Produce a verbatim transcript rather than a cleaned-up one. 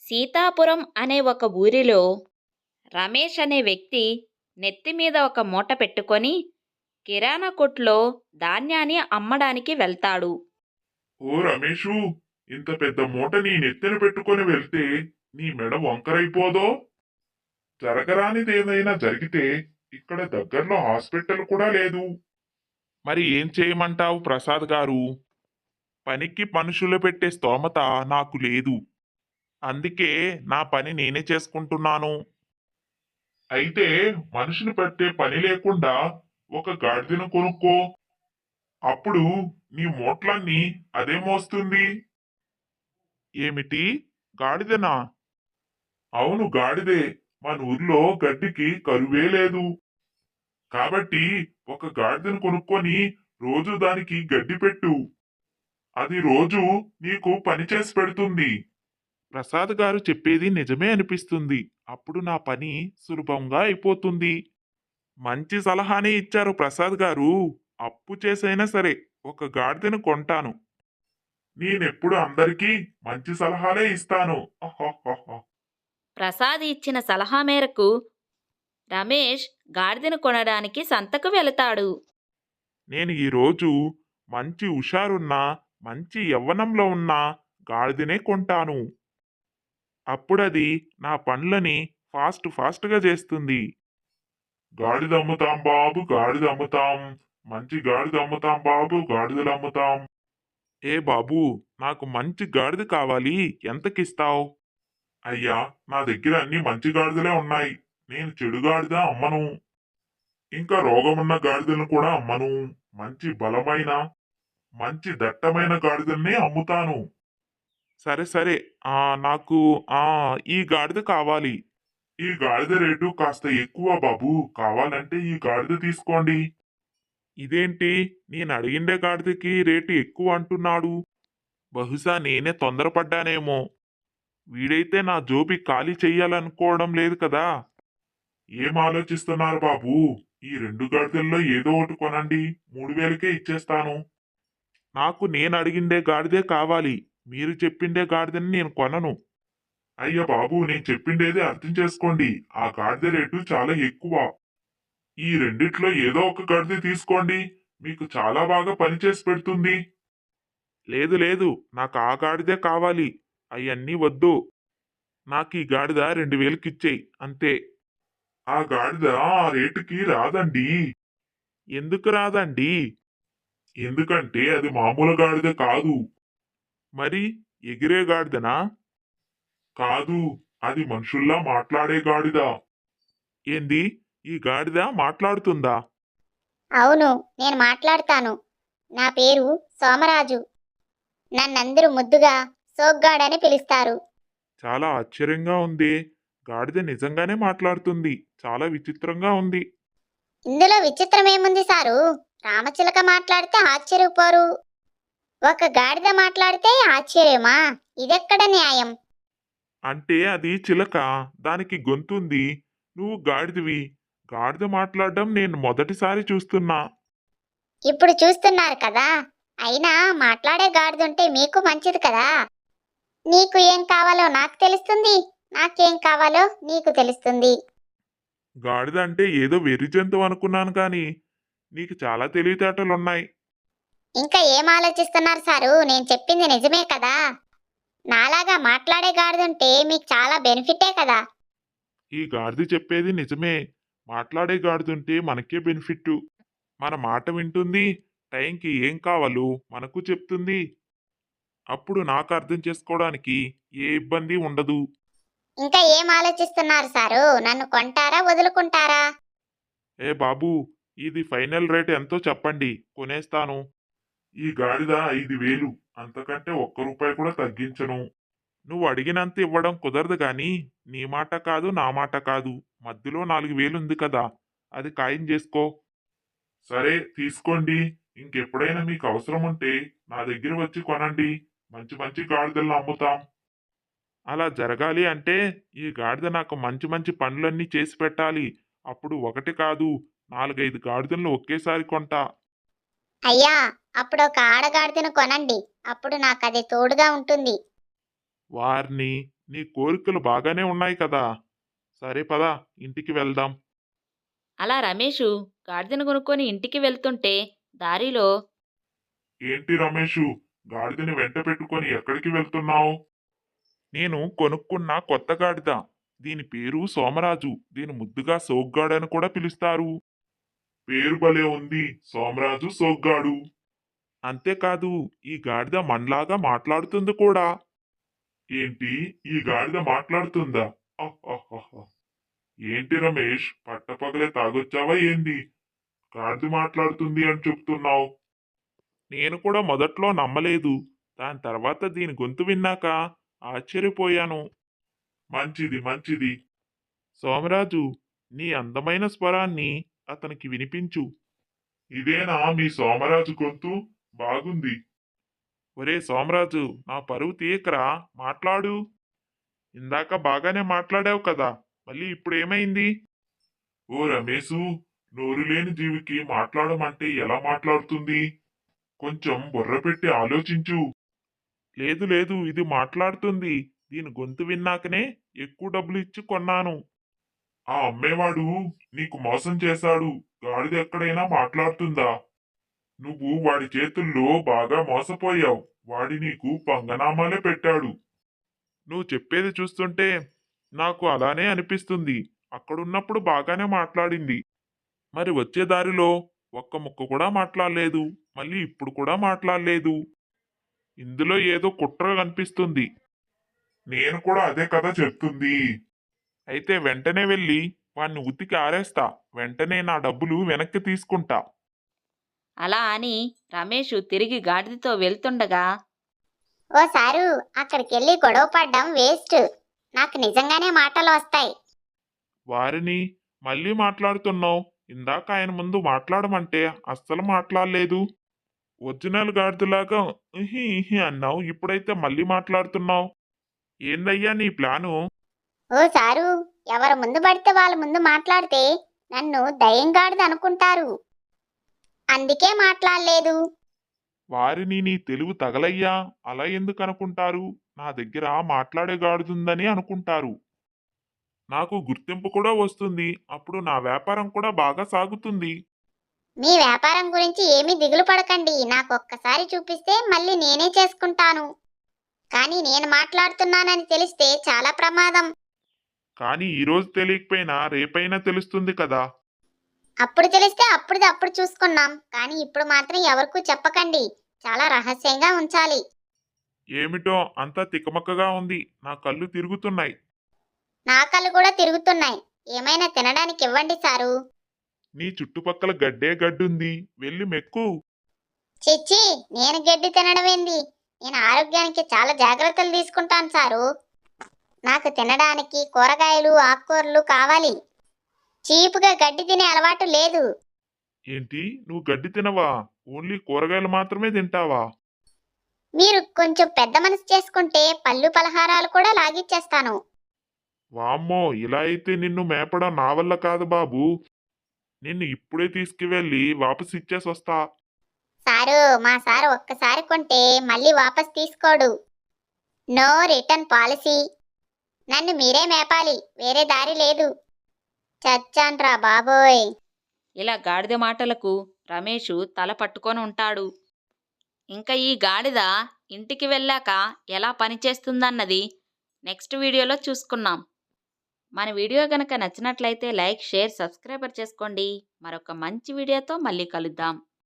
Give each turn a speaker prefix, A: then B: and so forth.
A: సీతాపురం అనే ఒక ఊరిలో రమేష్ అనే వ్యక్తి నెత్తి మీద ఒక మూట పెట్టుకొని కిరాణా కొట్లో ధాన్యాన్ని అమ్మడానికి వెళ్తాడు.
B: ఓ రమేషు, ఇంత పెద్ద మూట నీ నెత్తిన పెట్టుకొని వెళ్తే నీ మెడ వంకరైపోదో? జరగరానిదేదైనా జరిగితే ఇక్కడ దగ్గరలో హాస్పిటల్ కూడా లేదు. మరి ఏం చేయమంటావు ప్రసాద్ గారు? పనికి మనుషులు పెట్టే స్తోమత నాకు లేదు. అందుకే నా పని నేనే చేసుకుంటున్నాను. అయితే మనిషిని పెట్టే పని లేకుండా ఒక గాడిదను కొనుక్కో. అప్పుడు నీ మూట్లన్నీ అదే మోస్తుంది. ఏమిటి? గాడిదనా? అవును, గాడిదే. మన ఊర్లో గడ్డికి కరువే లేదు. కాబట్టి ఒక గాడిదను కొనుక్కొని రోజు దానికి గడ్డి పెట్టు. అది రోజు నీకు పని చేసి పెడుతుంది. ప్రసాద్ గారు చెప్పేది నిజమే అనిపిస్తుంది. అప్పుడు నా పని సులభంగా అయిపోతుంది. మంచి సలహానే ఇచ్చారు ప్రసాద్ గారు. అప్పు చేసైనా సరే ఒక గాడిదను కొంటాను. నేనెప్పుడు అందరికీ మంచి సలహాలే ఇస్తాను. అహ్హహ్హ.
A: ప్రసాద్ ఇచ్చిన సలహా మేరకు రమేష్ గాడిదను కొనడానికి సంతకు వెళతాడు.
B: నేను ఈరోజు మంచి హుషారున్న, మంచి యవ్వనంలో ఉన్న గాడిదనే కొంటాను. అప్పుడది నా పనులని ఫాస్ట్ ఫాస్ట్గా చేస్తుంది. గాడిద అమ్ముతాం బాబు, గాడిద అమ్ముతాం. మంచి గాడిద అమ్ముతాం బాబు, గాడిదలు అమ్ముతాం. ఏ బాబు, నాకు మంచి గాడిద కావాలి. ఎంతకిస్తావు? అయ్యా, నా దగ్గర అన్ని మంచి గాడిదలే ఉన్నాయి. నేను చెడు గాడిద అమ్మను. ఇంకా రోగమున్న గాడిదలను కూడా అమ్మను. మంచి బలమైన, మంచి దట్టమైన గాడిదల్ని అమ్ముతాను. సరే సరే, ఆ నాకు ఆ ఈ గాడిద కావాలి. ఈ గాడిద రేటు కాస్త ఎక్కువ బాబు. కావాలంటే ఈ గాడిద తీసుకోండి. ఇదేంటి, నేను అడిగిండే గాడిదకి రేటు ఎక్కువ అంటున్నాడు? బహుశా నేనే తొందరపడ్డానేమో. వీడైతే నా జోబి ఖాళీ చెయ్యాలనుకోవడం లేదు కదా. ఏం ఆలోచిస్తున్నారు బాబు? ఈ రెండు గాడిదల్లో ఏదో ఒకటి కొనండి. మూడు వేలకే ఇచ్చేస్తాను. నాకు నేను అడిగిండే గాడిదే కావాలి. మీరు చెప్పిండే గాడిదని నేను కొనను. అయ్య బాబు, నేను చెప్పిండేది అర్థం చేసుకోండి. ఆ గాడిద రేటు చాలా ఎక్కువ. ఈ రెండిట్లో ఏదో ఒక గాడిద తీసుకోండి. మీకు చాలా బాగా పనిచేసి పెడుతుంది. లేదు లేదు, నాకు ఆ గాడిదే కావాలి. అవన్నీ వద్దు. నాకు ఈ గాడిద రెండు వేలకిచ్చేయి అంతే. ఆ గాడిద ఆ రేటుకి రాదండి. ఎందుకు రాదండి? ఎందుకంటే అది మామూలు గాడిద కాదు. మరి ఎగిరే గాడిదనా? కాదు, అది మనుషుల్లా మాట్లాడే గాడిద. ఏంది, ఈ గాడిద మాట్లాడుతుందా?
C: అవును, నేను మాట్లాడతాను. నా పేరు సోమరాజు. నన్నందరూ ముద్దుగా సోగ్గాడని పిలుస్తారు.
B: చాలా ఆశ్చర్యంగా ఉంది. గాడిద నిజంగానే మాట్లాడుతుంది. చాలా విచిత్రంగా ఉంది.
C: ఇందులో విచిత్రమేముంది సారు? రామచిలక మాట్లాడితే ఆశ్చర్యపోరు. ఒక గాడిద మాట్లాడితే ఆశ్చర్యమా? ఇదెక్కడ న్యాయం?
B: అంటే అది చిలక, దానికి గొంతుంది. నువ్వు గాడిదవి. గాడిద మాట్లాడడం నేను మొదటిసారి చూస్తున్నా.
C: ఇప్పుడు చూస్తున్నారు కదా. అయినా మాట్లాడే గాడిదుంటే మీకు మంచిది కదా. నీకు ఏం కావాలో నాకు తెలుస్తుంది, నాకేం కావాలో నీకు తెలుస్తుంది.
B: గాడిద అంటే ఏదో వెర్రి జంతువు అనుకున్నాను కానీ నీకు చాలా తెలివితేటలున్నాయి.
C: ఇంకా ఏం ఆలోచిస్తున్నారు సారు? నేను చెప్పింది నిజమే కదా. నాలాగా మాట్లాడే గాడిదుంటే మీకు చాలా బెనిఫిటే కదా.
B: ఈ గాడిద చెప్పేది నిజమే. మాట్లాడే గాడిదుంటే మనకే బెనిఫిట్. మన మాట వింటుంది. టైంకి ఏం కావాలో మనకు చెప్తుంది. అప్పుడు నాకు అర్థం చేసుకోవడానికి ఏ ఇబ్బంది ఉండదు.
C: ఇంకా ఏం ఆలోచిస్తున్నారు సారు? నన్ను కొంటారా వదులుకుంటారా?
B: ఏ బాబు, ఇది ఫైనల్ రేట్ ఎంతో చెప్పండి, కొనేస్తాను. ఈ గాడిద ఐదు వేలు. అంతకంటే ఒక్క రూపాయి కూడా తగ్గించను. నువ్వు అడిగినంత ఇవ్వడం కుదరదు గాని నీ మాట కాదు, నా మాట కాదు. మధ్యలో నాలుగు వేలుంది కదా, అది ఖాయం చేసుకో. సరే, తీసుకోండి. ఇంకెప్పుడైనా మీకు అవసరం ఉంటే నా దగ్గర వచ్చి కొనండి. మంచి మంచి గాడిదలను అమ్ముతాం. అలా జరగాలి అంటే ఈ గాడిద నాకు మంచి మంచి పనులన్నీ చేసి పెట్టాలి. అప్పుడు ఒకటి కాదు, నాలుగైదు గాడిదలను ఒకేసారి కొంటా.
C: అయ్యా, అప్పుడు ఒక ఆడగాడిదను కొనండి. అప్పుడు నాకు అది తోడుగా ఉంటుంది.
B: వారిని నీ కోరికలు బాగానే ఉన్నాయి కదా. సరే పద, ఇంటికి వెళ్దాం.
A: అలా రమేషు గాడిదను కొనుక్కొని ఇంటికి వెళ్తుంటే దారిలో
B: ఏంటి రమేషు, గాడిదని వెంట పెట్టుకొని ఎక్కడికి వెళ్తున్నావు? నేను కొనుక్కున్న కొత్త గాడిద. దీని పేరు సోమరాజు. దీని ముద్దుగా సోగ్గాడు అని కూడా పిలుస్తారు. పేరు భలే ఉంది, సోమరాజు సోగ్గాడు. అంతేకాదు, ఈ గాడిద మనలాగా మాట్లాడుతుంది కూడా. ఏంటి, ఈ గాడిద మాట్లాడుతుందా? అహ్హహ్హ. ఏంటి రమేష్, పట్టపగలే తాగొచ్చావా ఏంది? గాడిద మాట్లాడుతుంది అని చెప్తున్నావు. నేను కూడా మొదట్లో నమ్మలేదు. దాని తర్వాత దీని గొంతు విన్నాక ఆశ్చర్యపోయాను. మంచిది మంచిది. సోమరాజు, నీ అందమైన స్వరాన్ని అతనికి వినిపించు. ఇదేనా మీ సోమరాజు గొంతు? బాగుంది. ఒరే సోమరాజు, నా పరువు తీయకరా, మాట్లాడు. ఇందాక బాగానే మాట్లాడావు కదా, మళ్ళీ ఇప్పుడేమైంది? ఓ రమేశు, నోరు లేని జీవికి మాట్లాడమంటే ఎలా మాట్లాడుతుంది? కొంచెం బుర్ర పెట్టి ఆలోచించు. లేదు లేదు, ఇది మాట్లాడుతుంది. దీని గొంతు విన్నాకనే ఎక్కువ డబ్బులు ఇచ్చి కొన్నాను. ఆ అమ్మేవాడు నీకు మోసం చేశాడు. గాడిద ఎక్కడైనా మాట్లాడుతుందా? నువ్వు వాడి చేతుల్లో బాగా మోసపోయావు. వాడి నీకు పంగనామాలే పెట్టాడు. నువ్వు చెప్పేది చూస్తుంటే నాకు అలానే అనిపిస్తుంది. అక్కడున్నప్పుడు బాగానే మాట్లాడింది. మరి వచ్చే దారిలో ఒక్క ముక్క కూడా మాట్లాడలేదు. మళ్ళీ ఇప్పుడు కూడా మాట్లాడలేదు. ఇందులో ఏదో కుట్ర కనిపిస్తుంది. నేను కూడా అదే కదా చెప్తుంది. అయితే వెంటనే వెళ్ళి వాణ్ణి ఉతికి ఆరేస్తా. వెంటనే నా డబ్బులు వెనక్కి తీసుకుంటా.
A: అలా అని రమేషు తిరిగి గాడిదతో వెళ్తుండగా
C: ఓ సారు, అక్కడికి వెళ్ళి గొడవ పడ్డం వేస్ట్. నాకు నిజంగానే మాటలు వస్తాయి.
B: వారిని మళ్ళీ మాట్లాడుతున్నావు. ఇందాక ఆయన ముందు మాట్లాడమంటే అస్సలు మాట్లాడలేదు. ఒరిజినల్ గాడిదలాగా ఇహి ఇహి అన్నావు. ఇప్పుడైతే మళ్ళీ మాట్లాడుతున్నావు. ఏందయ్యా నీ ప్లాను?
C: ఓ సారు, ఎవరు ముందు పడితే వాళ్ళ ముందు మాట్లాడితే నన్ను దయ్యంగాడిది అనుకుంటారు. అందుకే మాట్లాడలేదు.
B: వారిని నీ తెలివి తగలయ్యా, అలా ఎందుకు అనుకుంటారు? నా దగ్గర మాట్లాడే గాడుతుందని అనుకుంటారు. నాకు గుర్తింపు కూడా వస్తుంది. అప్పుడు నా వ్యాపారం కూడా బాగా సాగుతుంది.
C: మీ వ్యాపారం గురించి ఏమీ దిగులు పడకండి. నాకు ఒక్కసారి చూపిస్తే మళ్ళీ నేనే చేసుకుంటాను. కానీ నేను మాట్లాడుతున్నానని తెలిస్తే చాలా ప్రమాదం.
B: కానీ ఈరోజు తెలియకపోయినా రేపైనా తెలుస్తుంది కదా.
C: అప్పుడు తెలిస్తే అప్పుడుది అప్పుడు చూసుకున్నాం. కానీ ఇప్పుడు మాత్రం ఎవరికూ చెప్పకండి. చాలా రహస్యంగా ఉంచాలి.
B: ఏమిటో అంతా తికమకగా ఉంది. నా కళ్ళు తిరుగుతున్నాయి.
C: నా కళ్ళు కూడా తిరుగుతున్నాయి. ఏమైనా తినడానికి ఇవ్వండి సారు.
B: నీ చుట్టుపక్కల గడ్డే గడ్డుంది. వెళ్ళి మెక్కు.
C: చిచ్చి, నేను గడ్డి తినడమేంది? నేను ఆరోగ్యానికి చాలా జాగ్రత్తలు తీసుకుంటాను సారు. నాకు తినడానికి కూరగాయలు ఆకుకూరలు కావాలి. చీపుగా గడ్డి తినే అలవాటు లేదు.
B: ఏంటి, నువ్వు గడ్డి తినవా? ఓన్లీ కూరగాయలు మాత్రమే తింటావా?
C: మీరు కొంచెం పెద్ద మనసు చేసుకుంటే పళ్ళు పలహారాలు కూడా లాగిచ్చేస్తాను.
B: వామ్మో, ఇలా అయితే నిన్ను మేపడం నా వల్ల కాదు బాబు. నిన్ను ఇప్పుడే తీసుకువెళ్ళి వాపసు ఇచ్చేసి వస్తా.
C: సారు, మా సారు ఒక్కసారి కొంటే మళ్ళీ వాపస్ తీసుకోడు. No return policy. నన్ను మీరే మేపాలి, వేరే దారి లేదు. చచ్చాన్రా బాబోయ్.
A: ఇలా గాడిద మాటలకు రమేషు తల పట్టుకొని ఉంటాడు. ఇంకా ఈ గాడిద ఇంటికి వెళ్ళాక ఎలా పనిచేస్తుందన్నది నెక్స్ట్ వీడియోలో చూసుకున్నాం. మన వీడియో కనుక నచ్చినట్లయితే లైక్, షేర్, సబ్స్క్రైబర్ చేసుకోండి. మరొక మంచి వీడియోతో మళ్ళీ కలుద్దాం.